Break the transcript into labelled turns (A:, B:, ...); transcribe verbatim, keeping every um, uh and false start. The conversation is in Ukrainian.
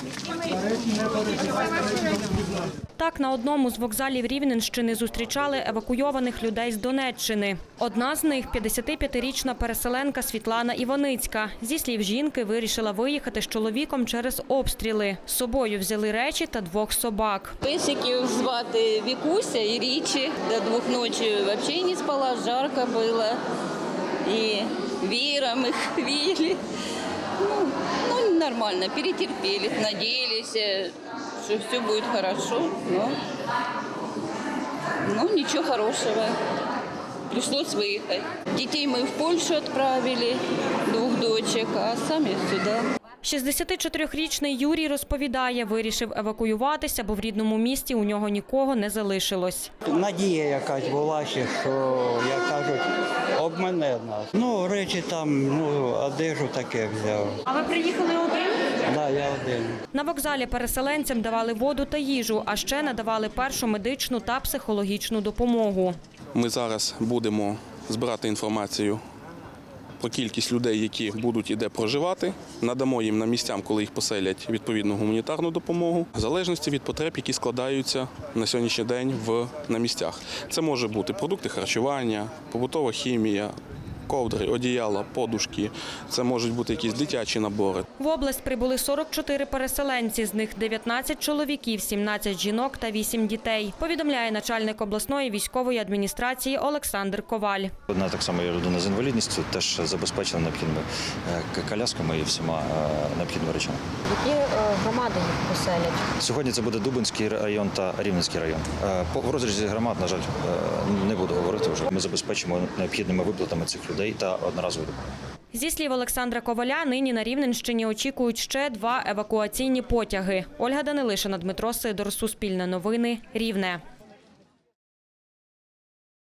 A: Так, на одному з вокзалів Рівненщини зустрічали евакуйованих людей з Донеччини. Одна з них – п'ятдесятип'ятирічна переселенка Світлана Іваницька. Зі слів жінки, вирішила виїхати з чоловіком через обстріли. З собою взяли речі та двох собак.
B: Песиків звати Вікуся і Річі. До двох ночі взагалі не спала, жарко було. І веером їх віяли. Ну, ну, нормально, перетерпели, надеялись, что все будет хорошо, но, но ничего хорошего. Пришлось выехать. Детей мы в Польшу отправили, двух дочек, а сами сюда.
A: шістдесятичотирирічний Юрій розповідає, вирішив евакуюватися, бо в рідному місті у нього нікого не залишилось.
C: Надія якась була ще, що, як кажуть, обмане нас. Ну, речі там, ну, одежу таке взяв.
A: А ви приїхали один?
C: Так, да, я один.
A: На вокзалі переселенцям давали воду та їжу, а ще надавали першу медичну та психологічну допомогу.
D: Ми зараз будемо збирати інформацію про кількість людей, які будуть і де проживати. Надамо їм на місцям, коли їх поселять, відповідну гуманітарну допомогу, в залежності від потреб, які складаються на сьогоднішній день в, на місцях. Це може бути продукти харчування, побутова хімія, ковдри, одіяла, подушки. Це можуть бути якісь дитячі набори.
A: В область прибули сорок чотири переселенці, з них дев'ятнадцять чоловіків, сімнадцять жінок та вісім дітей, повідомляє начальник обласної військової адміністрації Олександр Коваль.
E: Одна так само є людина з інвалідністю, теж забезпечена необхідними колясками і всіма необхідними речами.
A: Які громади їх поселять?
E: Сьогодні це буде Дубинський район та Рівненський район. В розрізі громад, на жаль, не буду говорити вже. Ми забезпечимо необхідними виплатами цих людей та одноразовою допомогою.
A: Зі слів Олександра Коваля, нині на Рівненщині очікують ще два евакуаційні потяги. Ольга Данилишина, Дмитро Сидор, Суспільне новини, Рівне.